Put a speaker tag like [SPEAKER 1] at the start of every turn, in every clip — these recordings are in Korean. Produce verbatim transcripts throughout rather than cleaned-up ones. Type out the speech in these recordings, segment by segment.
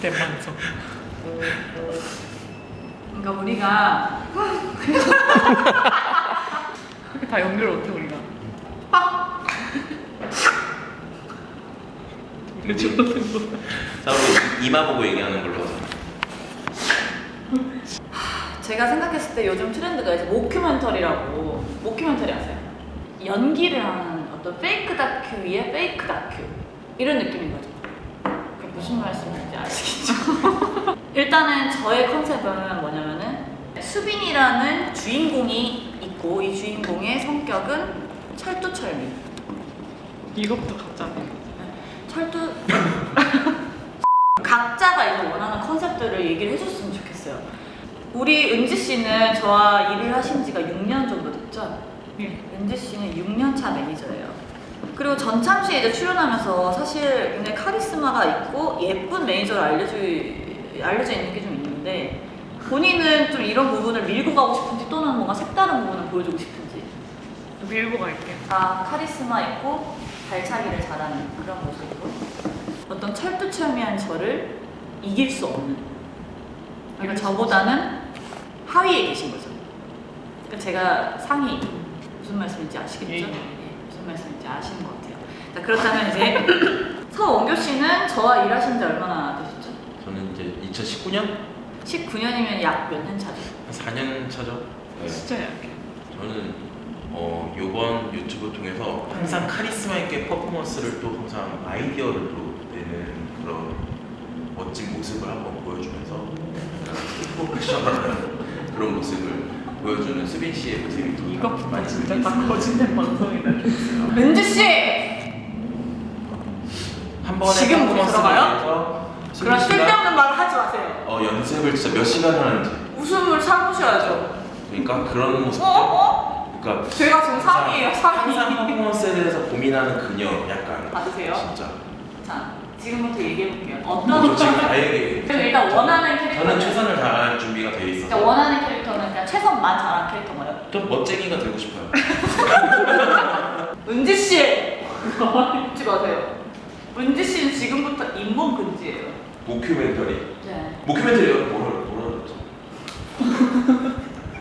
[SPEAKER 1] 대만족.
[SPEAKER 2] 그러니까 우리가
[SPEAKER 1] 이렇게 다 연결을 못해 우리가. 왜 저러는 거야?
[SPEAKER 3] 자, 우리 이마 보고 얘기하는 걸로 하자.
[SPEAKER 2] 제가 생각했을 때 요즘 트렌드가 이제 모큐멘터리라고. 모큐멘터리 아세요? 연기를 하는 어떤 페이크 다큐 위에 페이크 다큐 이런 느낌인 거죠. 그게 무슨 말씀인지 아시겠죠? 일단은 저의 컨셉은 뭐냐면은 수빈이라는 주인공이 있고 이 주인공의 성격은 철두철미.
[SPEAKER 1] 이것부터 가짜네.
[SPEAKER 2] 철두 각자가 이제 원하는 컨셉들을 얘기를 해줬으면 좋겠어요. 우리 은지 씨는 저와 일을 하신 지가 육 년 정도 됐죠?
[SPEAKER 1] 네.
[SPEAKER 2] 은지 씨는 육 년 차 매니저예요. 그리고 전참시에 이제 출연하면서 사실 굉장히 카리스마가 있고 예쁜 매니저로 알려져, 알려져 있는 게 좀 있는데 본인은 좀 이런 부분을 밀고 가고 싶은지 또는 뭔가 색다른 부분을 보여주고 싶은지.
[SPEAKER 1] 밀고 갈게요.
[SPEAKER 2] 다 카리스마 있고 발차기를 잘하는 그런 모습으로 어떤 철두철미한 저를 이길 수 없는, 그러니까 저보다는 하위에 계신 거죠. 그러니까 제가 상위, 무슨 말씀인지 아시겠죠?
[SPEAKER 1] 예.
[SPEAKER 2] 네, 무슨 말씀인지 아시는 것 같아요. 자, 그렇다면 이제 서원교 씨는 저와 일하신 지 얼마나 되셨죠?
[SPEAKER 3] 저는 이제 이천십구 년?
[SPEAKER 2] 십구 년이면 약 몇 년 차죠?
[SPEAKER 3] 한 사 년 차죠? 네.
[SPEAKER 1] 진짜 약해.
[SPEAKER 3] 저는 어, 요번 유튜브 통해서 항상 카리스마 있게 퍼포먼스를 또 항상 아이디어를 또 내는 그런 멋진 모습을 한번 보여주면서 프로페셔널한 그런 모습을 보여주는 수빈 씨의 모습이 또
[SPEAKER 1] 이것부터
[SPEAKER 3] 많이
[SPEAKER 1] 진짜
[SPEAKER 3] 재밌습니다.
[SPEAKER 1] 다 거짓말 방송이다.
[SPEAKER 2] 은지 씨!
[SPEAKER 3] 한 번에
[SPEAKER 2] 지금
[SPEAKER 3] 퍼포먼스를
[SPEAKER 2] 들어가요?
[SPEAKER 3] 위해서 수빈
[SPEAKER 2] 그런
[SPEAKER 3] 씨가
[SPEAKER 2] 쓸데없는 말을 하지 마세요.
[SPEAKER 3] 어, 연습을 진짜 몇 시간을 하는지
[SPEAKER 2] 웃음을 참으셔야죠.
[SPEAKER 3] 그러니까 그런 모습
[SPEAKER 2] 어? 어?
[SPEAKER 3] 그러니까
[SPEAKER 2] 제가 지금 상이에요, 상이.
[SPEAKER 3] 항상 퍼포먼스에 대해서 고민하는 그녀 약간
[SPEAKER 2] 받으세요?
[SPEAKER 3] 진짜
[SPEAKER 2] 자, 지금부터 얘기해볼게요.
[SPEAKER 3] 저
[SPEAKER 2] 어떤
[SPEAKER 3] 지금 다 얘기해
[SPEAKER 2] 그럼 일단 원하는 캐릭터.
[SPEAKER 3] 저는 최선을 다할 준비가 돼
[SPEAKER 2] 일단
[SPEAKER 3] 있어서
[SPEAKER 2] 원하는 캐릭터는 그냥 최선만 잘한 캐릭터인가요?
[SPEAKER 3] 좀 멋쟁이가 되고 싶어요.
[SPEAKER 2] 은지 씨! 웃지 마세요. 은지 씨는 지금부터 잇몸 금지예요.
[SPEAKER 3] 모큐멘터리
[SPEAKER 2] 네.
[SPEAKER 3] 모큐멘터리요? 뭐라 뭐라 그랬죠?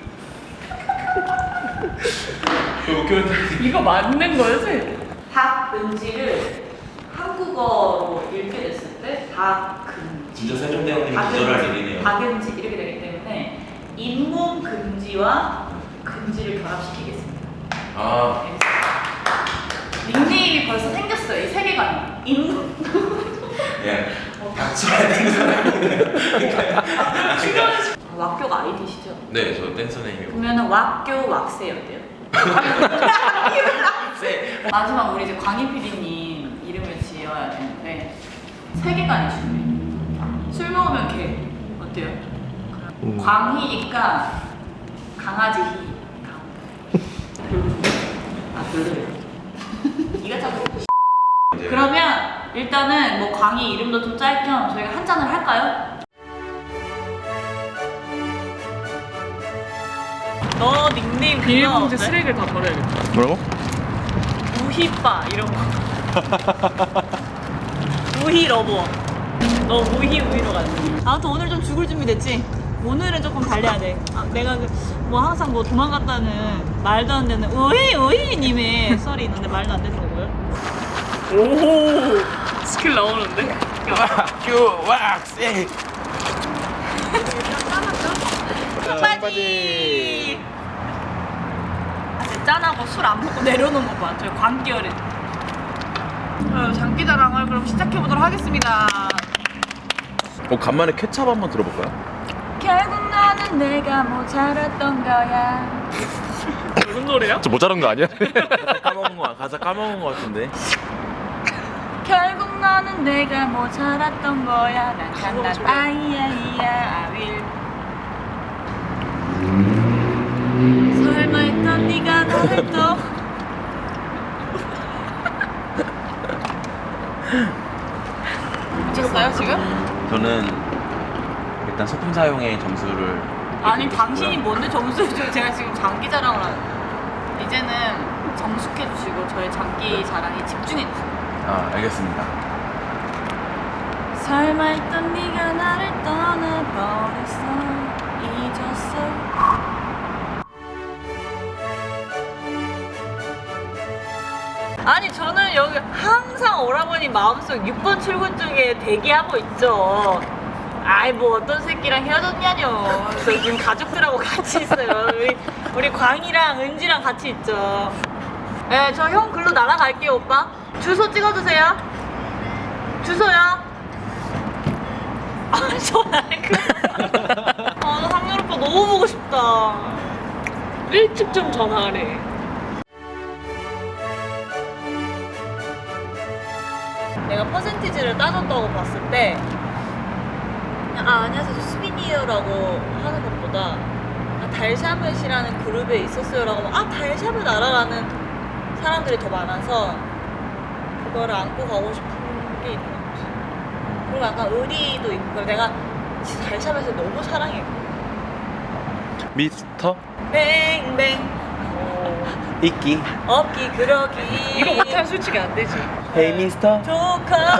[SPEAKER 3] 그 모큐멘터리
[SPEAKER 1] 이거 맞는 거지?
[SPEAKER 2] 박은지를 한국어로 읽게 됐을 때 박금지.
[SPEAKER 3] 진짜 세종대왕님이 기절할 일이네요.
[SPEAKER 2] 박은지 이렇게 되기 때문에 잇몸 금지와 금지를 결합시키겠습니다.
[SPEAKER 3] 아
[SPEAKER 2] 닉네임이 벌써 생겼어요. 이 세계관이. 잇몸.
[SPEAKER 3] 예. 닥쳐야 되는 사람이네요.
[SPEAKER 2] 왁교가 아이디시죠?
[SPEAKER 3] 네, 저 댄서 네임이요.
[SPEAKER 2] 그러면은 왁교 왁세 어때요?
[SPEAKER 3] 네.
[SPEAKER 2] 마지막 우리 이제 광희 피디님 이름을 지어야 되는데 세계관이 중요해요. 술 먹으면 개 어때요?
[SPEAKER 4] 음.
[SPEAKER 2] 광희니까 강아지 희. 아 별로예요. 이가 자꾸.
[SPEAKER 3] 이제
[SPEAKER 2] 그러면 일단은 뭐 광희 이름도 좀 짤 겸 저희가 한 잔을 할까요? 너 닉네임 그거
[SPEAKER 1] 비닐봉지
[SPEAKER 2] 어때?
[SPEAKER 1] 쓰레기를 다 버려야겠다.
[SPEAKER 4] 뭐라고?
[SPEAKER 2] 우희빠 이런 거. 우희 러버. 너 우희 우희로 가지. 아무튼 오늘 좀 죽을 준비 됐지? 오늘은 조금 달려야 돼. 아, 내가 그, 뭐 항상 뭐 도망갔다는 말도 안 되는 우희 우희님의 썰이 있는데 말도 안 되는 거고요.
[SPEAKER 1] 오 스킬 나오는데?
[SPEAKER 4] 큐 왁스.
[SPEAKER 2] 빠지. 아, 짠하고 술 안 먹고 내려놓은 거 봐. 저희 광기열에. 어, 장기자랑을 그럼 시작해 보도록 하겠습니다.
[SPEAKER 4] 어 간만에 케찹 한번 들어볼까요?
[SPEAKER 2] 결국 너는 내가 모자랐던 거야.
[SPEAKER 1] 무슨 노래야?
[SPEAKER 4] 저 모자란 거 아니야?
[SPEAKER 3] 가사 까먹은 거 가사 까먹은 거 같은데.
[SPEAKER 2] 결국 너는 내가 모자랐던 거야. 난 간단 아이야이야 아윌. 설마 했던 네가 나를 또 미쳤어요 지금?
[SPEAKER 3] 저는 일단 소품 사용의 점수를
[SPEAKER 2] 아니
[SPEAKER 3] 드리고
[SPEAKER 2] 당신이
[SPEAKER 3] 싶고요.
[SPEAKER 2] 뭔데 점수를 줘요? 제가 지금 장기 자랑을 하는. 이제는 정숙해 주시고 저의 장기 자랑에 집중해 주세요.
[SPEAKER 3] 아 알겠습니다.
[SPEAKER 2] 설마 했던 네가 나를 떠나버렸어 잊었어. 아니 저는 여기 항상 오라버니 마음속 육 번 출근 중에 대기하고 있죠. 아이 뭐 어떤 새끼랑 헤어졌냐뇨. 저 지금 가족들하고 같이 있어요. 우리, 우리 광이랑 은지랑 같이 있죠. 네, 저 형 글로 날아갈게요 오빠. 주소 찍어주세요. 주소요. 아 전화해. 아 나 상렬 오빠 너무 보고 싶다.
[SPEAKER 1] 일찍 좀 전화하래.
[SPEAKER 2] 내가 퍼센티지를 따졌다고 봤을 때 그냥 아 안녕하세요 저 수빈이에요라고 하는 것보다 아, 달샤벳이라는 그룹에 있었어요라고 하면 아 달샤벳 알아라는 사람들이 더 많아서 그거를 안고 가고 싶은 게 있는 것 같아. 그리고 약간 의리도 있고 내가 진짜 달샤벳을 너무 사랑해.
[SPEAKER 4] 미스터
[SPEAKER 2] 뱅뱅
[SPEAKER 4] 이끼
[SPEAKER 2] 없기 그러기
[SPEAKER 1] 이거 못하면 솔직히 안 되지.
[SPEAKER 4] 헤이 미스터
[SPEAKER 2] 조카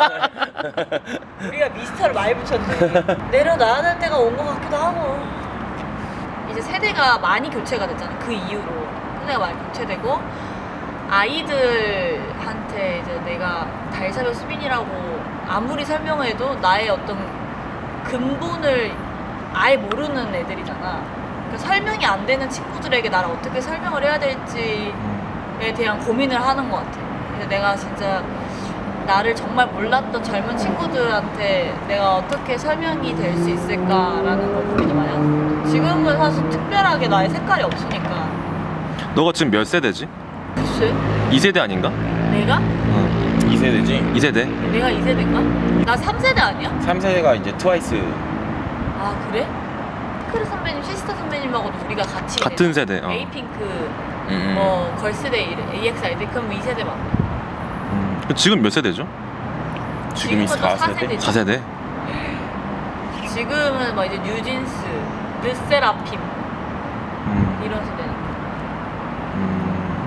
[SPEAKER 2] 우리가 미스터를 많이 붙였네. 내려놔야 될 때가 온 것 같기도 하고. 이제 세대가 많이 교체가 됐잖아. 그 이후로 세대가 많이 교체되고 아이들한테 이제 내가 달샤벳 수빈이라고 아무리 설명을 해도 나의 어떤 근본을 아예 모르는 애들이잖아. 그러니까 설명이 안 되는 친구들에게 나를 어떻게 설명을 해야 될지에 대한 고민을 하는 것 같아. 그래서 내가 진짜 나를 정말 몰랐던 젊은 친구들한테 내가 어떻게 설명이 될 수 있을까라는 걸 고민을 많이 하는. 지금은 사실 특별하게 나의 색깔이 없으니까.
[SPEAKER 4] 너가 지금 몇 세대지?
[SPEAKER 2] 글쎄?
[SPEAKER 4] 이 세대 아닌가?
[SPEAKER 2] 내가?
[SPEAKER 4] 응
[SPEAKER 3] 이 세대지.
[SPEAKER 4] 이 세대?
[SPEAKER 2] 내가 이 세대인가? 나 삼 세대 아니야?
[SPEAKER 3] 삼 세대가 이제 트와이스.
[SPEAKER 2] 아 그래? 크루 선배님, 시스터 선배님하고도 우리가 같이
[SPEAKER 4] 같은 세대 어.
[SPEAKER 2] 에이핑크,
[SPEAKER 3] 음.
[SPEAKER 2] 뭐 걸스데이, 에이엑스아이디 그럼 이 세대 맞고.
[SPEAKER 4] 음. 지금 몇 세대죠?
[SPEAKER 3] 지금이
[SPEAKER 2] 지금은
[SPEAKER 3] 사
[SPEAKER 2] 사
[SPEAKER 3] 세대.
[SPEAKER 2] 세대죠.
[SPEAKER 4] 사 세대?
[SPEAKER 2] 지금은 막 이제 뉴진스, 르세라핌
[SPEAKER 4] 음.
[SPEAKER 2] 이런 세대니까.
[SPEAKER 4] 음.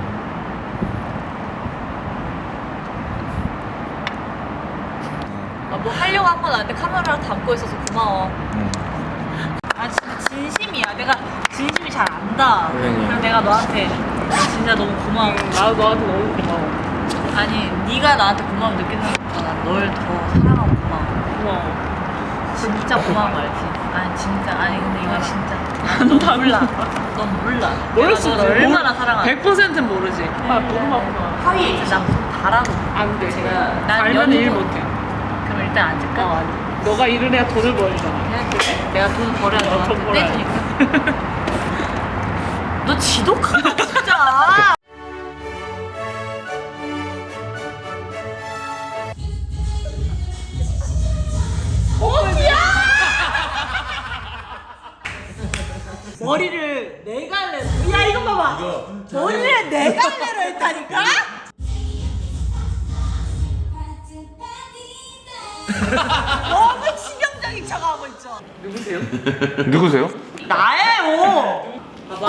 [SPEAKER 2] 아, 뭐 하려고 한 건 아닌데 카메라를 담고 있어서 고마워.
[SPEAKER 4] 음.
[SPEAKER 2] 아 진짜 진심이야. 내가 진심이 잘 안다.
[SPEAKER 3] 선생님.
[SPEAKER 2] 그래서 내가 너한테 진짜 너무 고마워.
[SPEAKER 1] 응, 나도 너한테 너무 고마워.
[SPEAKER 2] 아니 네가 나한테 고마움 느끼는 것보다 널 더 사랑하고 고마워.
[SPEAKER 1] 고마워.
[SPEAKER 2] 진짜 고마운 거 알지? 아니 진짜 아니 근데 이건 진짜 넌 몰라. 넌 몰라.
[SPEAKER 1] 모를 수
[SPEAKER 2] 내가
[SPEAKER 1] 있지.
[SPEAKER 2] 너를 얼마나 사랑하는지.
[SPEAKER 1] 백 퍼센트는 모르지. 아, 너무 바쁘다.
[SPEAKER 2] 하위에 있지. 나 무슨 바라고.
[SPEAKER 1] 안 돼.
[SPEAKER 2] 제가 난
[SPEAKER 1] 알면
[SPEAKER 2] 연애
[SPEAKER 1] 일 못해.
[SPEAKER 2] 그럼 일단 앉을까?
[SPEAKER 1] 어, 안 돼. 너가 일을 해야 돈을 벌잖아.
[SPEAKER 2] 그냥 그래. 내가 돈 벌어야
[SPEAKER 1] 어,
[SPEAKER 2] 너한테
[SPEAKER 1] 돈 벌어야
[SPEAKER 2] 떼주니까. 너 지독하다 진짜. 어디야? 머리를 네 갈래로. 야 이거 봐봐. 머리를 네 갈래로 했다니까? 너무 치명적인 척하고 있죠.
[SPEAKER 1] 누구세요?
[SPEAKER 4] 누구세요?
[SPEAKER 2] 나예요. 봐봐.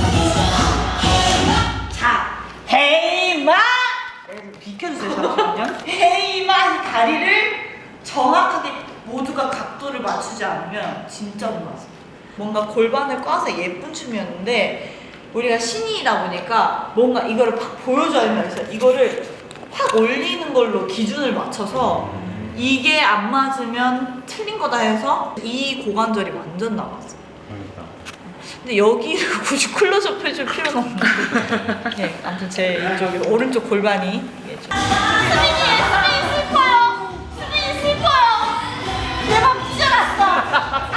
[SPEAKER 2] 자, 헤이마. 여러분 비켜주세요 잠시만요. 헤이마 다리를 정확하게 모두가 각도를 맞추지 않으면 진짜 못 맞아. 뭔가 골반을 꽈서 예쁜 춤이었는데 우리가 신인이다 보니까 뭔가 이거를 팍 보여줘야 된다 해서 이거를 확 올리는 걸로 기준을 맞춰서 이게 안 맞으면 틀린 거다 해서 이 고관절이 완전 나갔어. 근데 여기를 굳이 클로즈업 해줄 필요는 없는데. 네, 아무튼 제 이쪽에 오른쪽 골반이 이게 좀. 수빈이, 수빈이 슬퍼요. 수빈이 슬퍼요. 내 맘 찢어놨어. 아!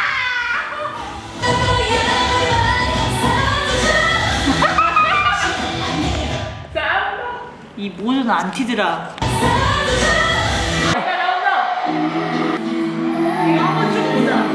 [SPEAKER 2] 이 모든 안티들아. 이거 한번 쭉 보자.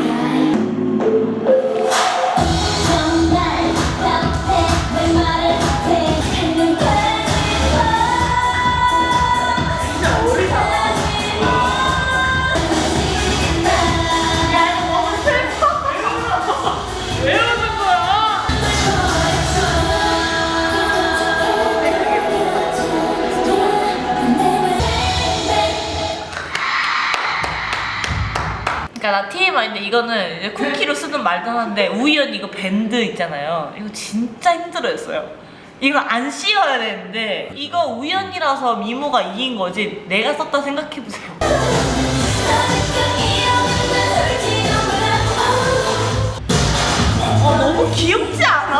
[SPEAKER 2] 나 티엠아이인데 이거는 이제 쿠키로 쓰든 말든 하는데 우연히 이거 밴드 있잖아요. 이거 진짜 힘들어했어요. 이거 안 씌워야 되는데 이거 우연이라서 미모가 이긴 거지 내가 썼다 생각해보세요. 어 너무 귀엽지 않아?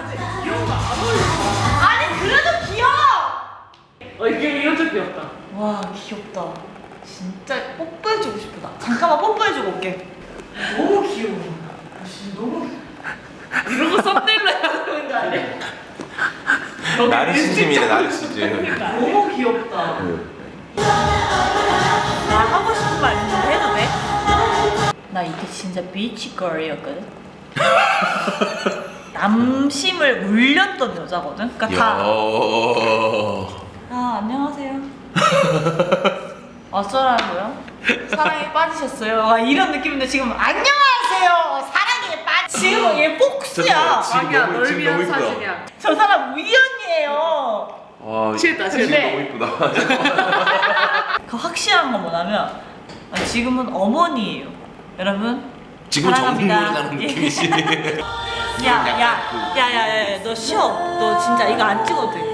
[SPEAKER 2] 아니 그래도 귀여워.
[SPEAKER 1] 어 이게 이것도 귀엽다.
[SPEAKER 2] 와 귀엽다. 진짜 뽀뽀해주고 싶다. 잠깐만 뽀뽀해주고 올게. 너무 귀여워. 아, 진짜 너무.
[SPEAKER 1] 이런 거 썸네일로 해야 되는 거 아니야?
[SPEAKER 3] 나르시즘이네 나르시즘.
[SPEAKER 2] 너무 귀엽다. 나 하고 싶은 말 있는데 해도 돼? 나 이게 진짜 비치걸이었거든. 남심을 울렸던 여자거든. 그러니까 다. 아 안녕하세요. 어쩌라고요? 사랑에 빠지셨어요? 와 이런 느낌인데 지금 안녕하세요. 사랑에 빠지. 지금 얘 폭스야.
[SPEAKER 3] 지금
[SPEAKER 1] 아니야
[SPEAKER 3] 너무-
[SPEAKER 1] 널
[SPEAKER 3] 지금
[SPEAKER 1] 위한
[SPEAKER 3] 너무 이쁘다.
[SPEAKER 1] 사진이야.
[SPEAKER 2] 저 사람 우연이에요.
[SPEAKER 3] 와,
[SPEAKER 1] 취했다,
[SPEAKER 3] 지금
[SPEAKER 1] 취했다.
[SPEAKER 3] 너무 이쁘다.
[SPEAKER 2] 그 확실한 건 뭐냐면 아, 지금은 어머니예요. 여러분.
[SPEAKER 3] 지금 정국
[SPEAKER 2] 사랑합니다.
[SPEAKER 3] 노래 나는 느낌이지.
[SPEAKER 2] 야야야야야 너 쉬어. 너 진짜 이거 안 찍어도 돼.